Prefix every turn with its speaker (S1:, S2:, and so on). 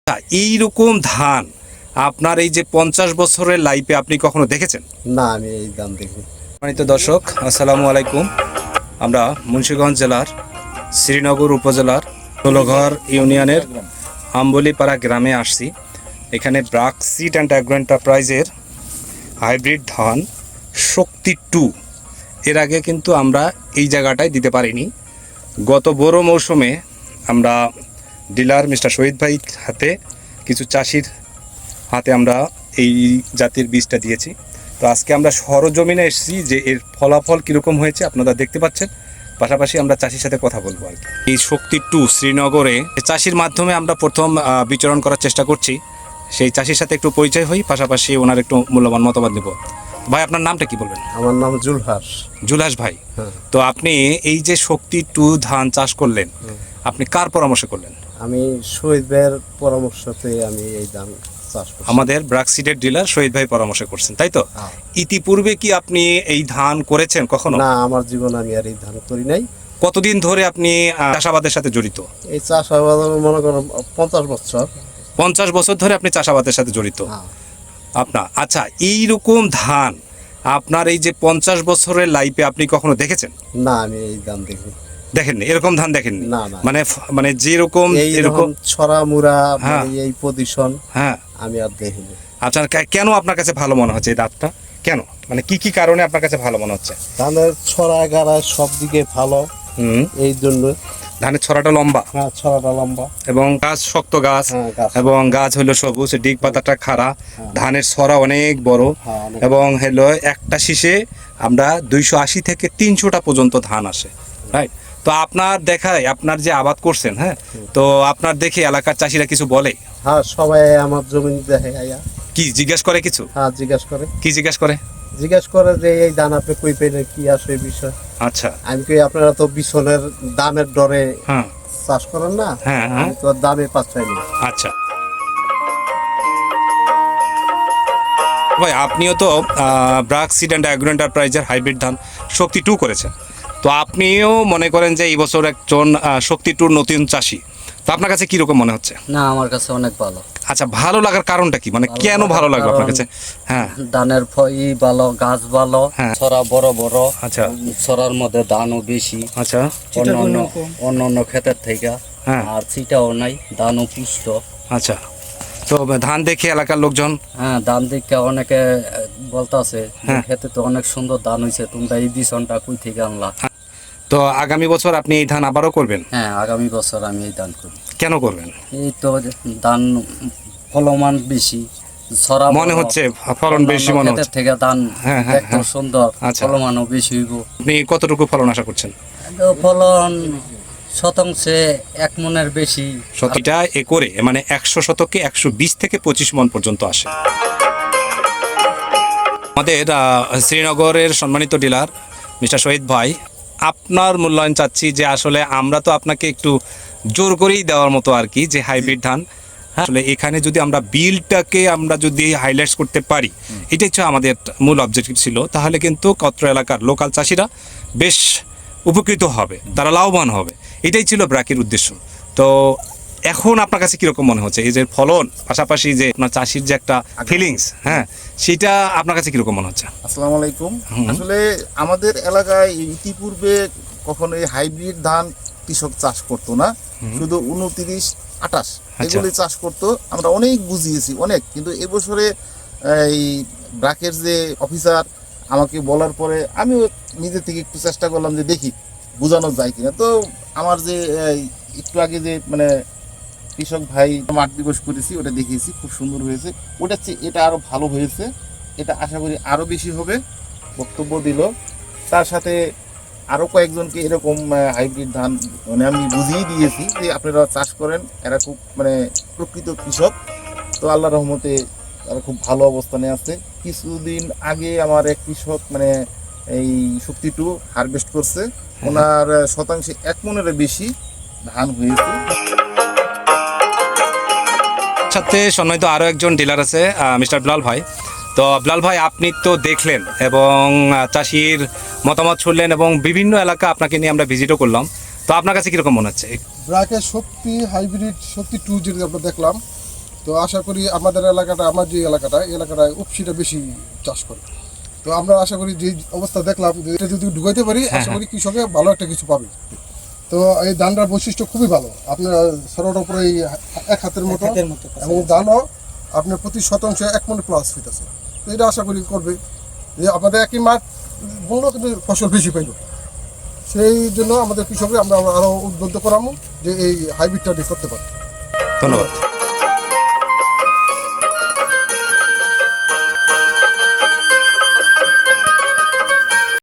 S1: এইরকম ধান আপনার এই যে 50 বছরের লাইফে আপনি কখনো দেখেছেন?
S2: না, আমি এই ধান দেখিনি।
S1: সম্মানিত দর্শক, আসসালামু আলাইকুম। আমরা মুন্সিগঞ্জ জেলার শ্রীনগর উপজেলার ষোলঘর ইউনিয়নের আম্বলিপাড়া গ্রামে আসছি। এখানে ব্রাক সিড অ্যান্ড অ্যাগ্রো এন্টারপ্রাইজের হাইব্রিড ধান শক্তি 2 এর আগে কিন্তু আমরা এই জায়গাটায় দিতে পারিনি। গত বড় মৌসুমে আমরা ডিলার মিস্টার শহীদ ভাই হাতে কিছু চাষির হাতে আমরা এই জাতির বীজটা দিয়েছি। তো আজকে আমরা সরজমিনে এসেছি যে এর ফলাফল কীরকম হয়েছে আপনারা দেখতে পাচ্ছেন। পাশাপাশি আমরা চাষির সাথে কথা বলবো আর কি। এই শক্তি 2 শ্রীনগরে চাষির মাধ্যমে আমরা প্রথম বিচরণ করার চেষ্টা করছি। সেই চাষির সাথে একটু পরিচয় হই, পাশাপাশি ওনার একটু মূল্যবান মতামত নেব। ভাই, আপনার নামটা কি বলবেন?
S2: আমার নাম জুলহাস।
S1: জুলহাস ভাই,
S2: হ্যাঁ।
S1: তো আপনি এই যে শক্তি 2 ধান চাষ করলেন, আপনি কার পরামর্শ করলেন?
S2: আমি শহীদ ভাইয়ের পরামর্শতে আমি এই ধান চাষ করছি।
S1: আমাদের ব্রাক সিডের ডিলার শহীদ ভাই পরামর্শ করছেন, তাই তো?
S2: হ্যাঁ।
S1: ইতিপূর্বে কি আপনি এই ধান করেছেন কখনো?
S2: না, আমার জীবনে আমি আর এই ধান করি নাই।
S1: কতদিন ধরে আপনি চাষাবাদের সাথে জড়িত?
S2: এই চাষাবাদ মনে করো 50 বছর।
S1: 50 বছর ধরে আপনি চাষাবাদের সাথে জড়িত
S2: হ্যাঁ।
S1: আপনার। আচ্ছা, এইরকম ধান আপনার এই যে 50 বছরের লাইফে আপনি কখনো দেখেছেন?
S2: না, আমি এই ধান দেখিনি।
S1: দেখেননি? এরকম ধান দেখেননি?
S2: না, না।
S1: মানে যেরকম
S2: এরকম ছড়া মুড়া,
S1: হ্যাঁ।
S2: এই পজিশন
S1: হ্যাঁ।
S2: আমি আর দেখিনি।
S1: আচ্ছা, কেন আপনার কাছে ভালো মনে হচ্ছে এই ধানটা? কেন, মানে কি কারণে আপনার কাছে ভালো মনে হচ্ছে?
S2: ধানের ছড়া গাড়া সব দিকে ভালো, এই জন্য।
S1: ধানের ছড়াটা লম্বা,
S2: হ্যাঁ, ছড়াটা লম্বা
S1: এবং গাছ শক্ত গাছ,
S2: হ্যাঁ, গাছ।
S1: এবং গাছ হলো সবুজ, ডিগ পাতাটা খাড়া, ধানের ছড়া অনেক বড়,
S2: হ্যাঁ, অনেক।
S1: এবং হলো একটা শীষে আমরা 280 থেকে 300টা পর্যন্ত ধান আসে, রাইট? তো আপনার দেখায় আপনার যে আবাদ করছেন, হ্যাঁ, তো আপনার দেখে এলাকার চাষিরা কিছু বলে?
S2: হ্যাঁ, সবাই আমার জমি দেখে আয়া।
S1: কি জিজ্ঞেস করে কিছু?
S2: হ্যাঁ, জিজ্ঞাসা করে।
S1: কি জিজ্ঞেস করে?
S2: জিজ্ঞাসা করে যে এই ধান আপনি কই পেলেন, কি আসে এই বিষয়।
S1: আচ্ছা।
S2: আমি কই আপনারা তো বিছনের দামের ডরে
S1: হ্যাঁ।
S2: চাষ করেন না।
S1: হ্যাঁ, হ্যাঁ।
S2: আমি তো দামে পাচ্ছি না।
S1: আচ্ছা ভাই, আপনিও তো ব্রাক সিড অ্যান্ড অ্যাগ্রো এন্টারপ্রাইজের হাইব্রিড ধান শক্তি 2 করেছেন। তো আপনিও মনে করেন যে এই বছর একজন শক্তি 2 নতুন চাষি, তো আপনার কাছে কিরকম মনে হচ্ছে?
S3: না, আমার কাছে অনেক ভালো।
S1: আচ্ছা, ভালো লাগার কারণটা কি, মানে কেন ভালো লাগলো আপনার কাছে? হ্যাঁ।
S3: ধানের ভালো, গাছ ভালো,
S1: হ্যাঁ।
S3: ছড়া বড় বড়।
S1: আচ্ছা।
S3: ছড়ার মধ্যে ধানও বেশি
S1: আচ্ছা।
S3: অন্য ক্ষেতের থেকে।
S1: হ্যাঁ।
S3: আর ছিটাও নাই, ধানও পুষ্ট।
S1: আচ্ছা, তো ধান দেখে এলাকার লোকজন?
S3: হ্যাঁ, ধান দেখে অনেকে বলতাছে
S1: হ্যাঁ।
S3: খেতে তো অনেক সুন্দর ধান হয়েছে, তোমরা এই বিছনটা কই থেকে আনলা?
S1: তো আগামী বছর আপনি এই ধান আবারও করবেন?
S3: হ্যাঁ, আগামী বছর আমি এই ধান করি।
S1: কেন করবেন?
S3: এই তো ধান ফলমান বেশি, ছড়া
S1: মনে
S3: বড়,
S1: হচ্ছে ফলন বেশি মনে
S3: ক্ষেতের
S1: হচ্ছে।
S3: থেকে ধান
S1: হ্যাঁ, হ্যাঁ,
S3: দেখতে
S1: হ্যাঁ।
S3: সুন্দর,
S1: আচ্ছা।
S3: ফলমানও বেশি হইব।
S1: আপনি কতটুকু ফলন আশা করছেন?
S3: ফলন শতাংশে 1 মনের বেশি।
S1: এটা একরে মানে 100 শতকে 120 থেকে 25 মণ পর্যন্ত আসে। আমাদের শ্রীনগরের সম্মানিত ডিলার মিস্টার শহীদ ভাই, আপনার মূল্যায়ন চাচ্ছি যে আসলে আমরা তো আপনাকে একটু জোর করেই দেওয়ার মতো আর কি, যে হাইব্রিড ধান, হ্যাঁ, আসলে এখানে যদি আমরা বিলটাকে আমরা যদি হাইলাইটস করতে পারি, এটাই হচ্ছে আমাদের মূল অবজেক্টিভ ছিল, তাহলে কিন্তু কত্র এলাকার লোকাল চাষিরা বেশ উপকৃত হবে, তারা লাভবান হবে। এটাই ছিল ব্র্যাকের উদ্দেশ্য। তো এখন আপনার কাছে কিরকম মনে হচ্ছে এই যে ফলন, পাশাপাশি যে আপনার চাষির যে একটা ফিলিংস, হ্যাঁ, সেটা আপনার কাছে কিরকম মনে হচ্ছে?
S4: আসসালামু আলাইকুম। আসলে আমাদের এলাকায় ইতিপূর্বে কখনো এই হাইব্রিড ধান কৃষক চাষ করতো না, শুধু 29, 28 এগুলি চাষ করতো। আমরা অনেক বুঝিয়েছি অনেক, কিন্তু এবছরে এই ব্রাকের যে অফিসার আমাকে বলার পরে আমিও নিজে থেকে একটু চেষ্টা করলাম যে দেখি বোঝানো যায় কিনা। তো আমার যে একটু আগে যে মানে কৃষক ভাই মাঠ দিবস করেছি, ওটা দেখিয়েছি, খুব সুন্দর হয়েছে। ওটা এটা আরো ভালো হয়েছে, এটা আশা করি আরো বেশি হবে, বক্তব্য দিল। তার সাথে আরো কয়েকজনকে এরকম হাইব্রিড ধান মানে আমি বুঝিয়ে দিয়েছি যে আপনারা চাষ করেন, এরা খুব মানে প্রকৃত কৃষক। তো আল্লাহ রহমতে তারা খুব ভালো অবস্থানে আছে। কিছুদিন আগে আমার এক কৃষক মানে এই শক্তি 2 হারভেস্ট করছে, ওনার শতাংশে 1 মনের বেশি ধান হয়েছে।
S1: সাথে সম্মানিত আরও একজন ডিলার আছে, মিস্টার বিলাল ভাই। তো বিলাল ভাই, আপনি তো দেখলেন এবং চাষির মতামত শুনলেন, এবং বিভিন্ন এলাকা আপনাকে নিয়ে আমরা ভিজিটও করলাম। তো আপনার কাছে কীরকম মনে হচ্ছে?
S5: ব্র্যাকের শক্তি হাইব্রিড শক্তি 2 যেটা আমরা দেখলাম, তো আশা করি আমাদের এলাকাটা, আমার যে এলাকাটা, এই এলাকাটায় উপসিটা বেশি চাষ করে। তো আমরা আশা করি যে অবস্থা দেখলাম, যে এটা যদি ঢুকাইতে পারি, আশা করি কৃষকে ভালো একটা কিছু পাবে। তো এই ধানটার বৈশিষ্ট্য খুবই ভালো, আপনার সরোটার উপরে এই এক হাতের মতো, এবং ধানও আপনার প্রতি শতাংশে 1 মণ প্লাস ফিট আছে। তো এটা আশা করি করবে যে আমাদের একই মাঠ বললো কিন্তু ফসল বেশি পাইল। সেই জন্য আমাদের কৃষকরা আমরা আরও উদ্বুদ্ধ করাবো যে এই হাইব্রিডটা করতে পারে।
S1: ধন্যবাদ।